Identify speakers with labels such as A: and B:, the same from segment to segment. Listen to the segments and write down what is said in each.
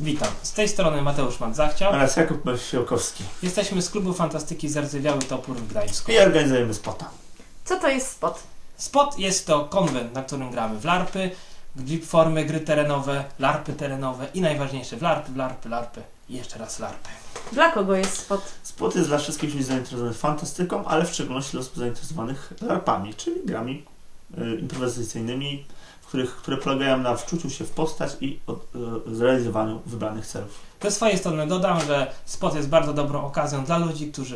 A: Witam, z tej strony Mateusz Mandzachciał
B: oraz Jakub Siłkowski.
A: Jesteśmy z klubu fantastyki Zardzewiały Topór w Gdańsku.
B: I organizujemy spota.
C: Co to jest spot?
A: Spot jest to konwent, na którym gramy w larpy, formy, gry terenowe, larpy terenowe i najważniejsze w larpy i jeszcze raz larpy.
C: Dla kogo jest spot?
B: Spot jest dla wszystkich ludzi zainteresowanych fantastyką, ale w szczególności dla osób zainteresowanych larpami, czyli grami improwizacyjnymi, które polegają na wczuciu się w postać i zrealizowaniu wybranych celów.
A: Ze swojej strony dodam, że spot jest bardzo dobrą okazją dla ludzi, którzy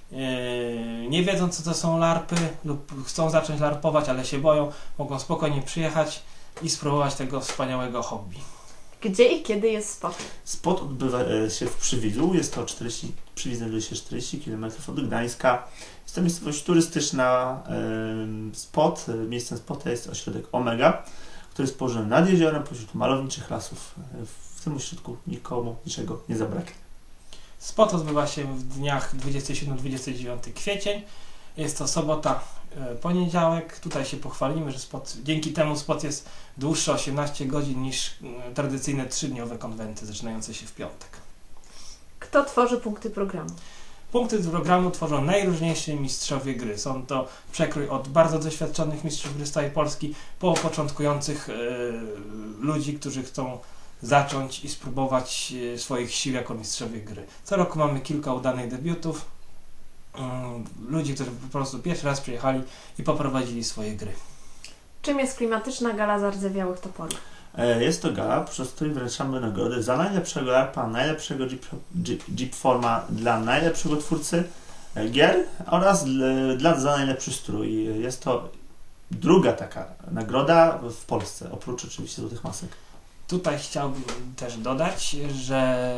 A: nie wiedzą, co to są larpy lub chcą zacząć larpować, ale się boją, mogą spokojnie przyjechać i spróbować tego wspaniałego hobby.
C: Gdzie i kiedy jest spot?
B: Spot odbywa się w Przywidzu, jest to Przywidz znajduje się 40 km od Gdańska. Jest to miejscowość turystyczna. Miejscem spota jest ośrodek Omega, który jest położony nad jeziorem pośród malowniczych lasów. W tym ośrodku nikomu niczego nie zabraknie.
A: Spot odbywa się w dniach 27-29 kwiecień. Jest to sobota, poniedziałek. Tutaj się pochwalimy, że dzięki temu spot jest dłuższy 18 godzin niż tradycyjne 3-dniowe konwenty zaczynające się w piątek.
C: Kto tworzy punkty programu?
A: Punkty programu tworzą najróżniejsi mistrzowie gry. Są to przekrój od bardzo doświadczonych mistrzów gry z całej Polski po początkujących ludzi, którzy chcą zacząć i spróbować swoich sił jako mistrzowie gry. Co roku mamy kilka udanych debiutów. Ludzi, którzy po prostu pierwszy raz przyjechali i poprowadzili swoje gry.
C: Czym jest klimatyczna gala Zardzewiałych Toporów?
B: Jest to gala, podczas której wręczamy nagrody za najlepszego larpa, najlepszego jeep forma dla najlepszego twórcy gier oraz za najlepszy strój. Jest to druga taka nagroda w Polsce, oprócz oczywiście Złotych Masek.
A: Tutaj chciałbym też dodać, że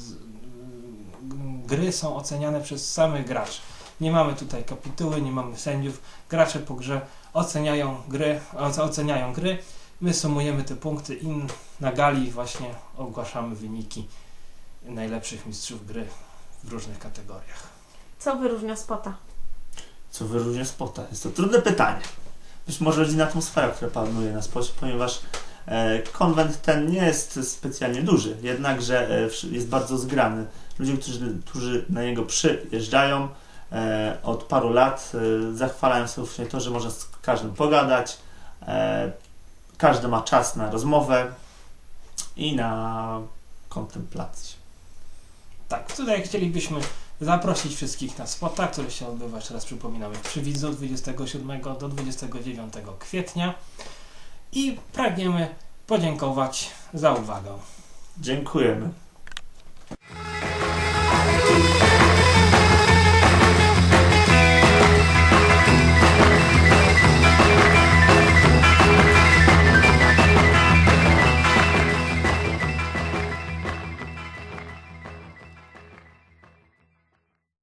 A: gry są oceniane przez samych graczy. Nie mamy tutaj kapituły, nie mamy sędziów. Gracze po grze oceniają gry. My sumujemy te punkty i na gali właśnie ogłaszamy wyniki najlepszych mistrzów gry w różnych kategoriach.
C: Co wyróżnia spota?
B: Co wyróżnia spota? Jest to trudne pytanie. Być może rodzinna atmosfera, która panuje na spocie, ponieważ konwent ten nie jest specjalnie duży, jednakże jest bardzo zgrany. Ludzie, którzy na niego przyjeżdżają od paru lat, zachwalają sobie właśnie to, że można z każdym pogadać, każdy ma czas na rozmowę i na kontemplację.
A: Tak, tutaj chcielibyśmy zaprosić wszystkich na spota, który się odbywa, jeszcze raz przypominamy, w Przywidzu 27 do 29 kwietnia i pragniemy podziękować za uwagę.
B: Dziękujemy.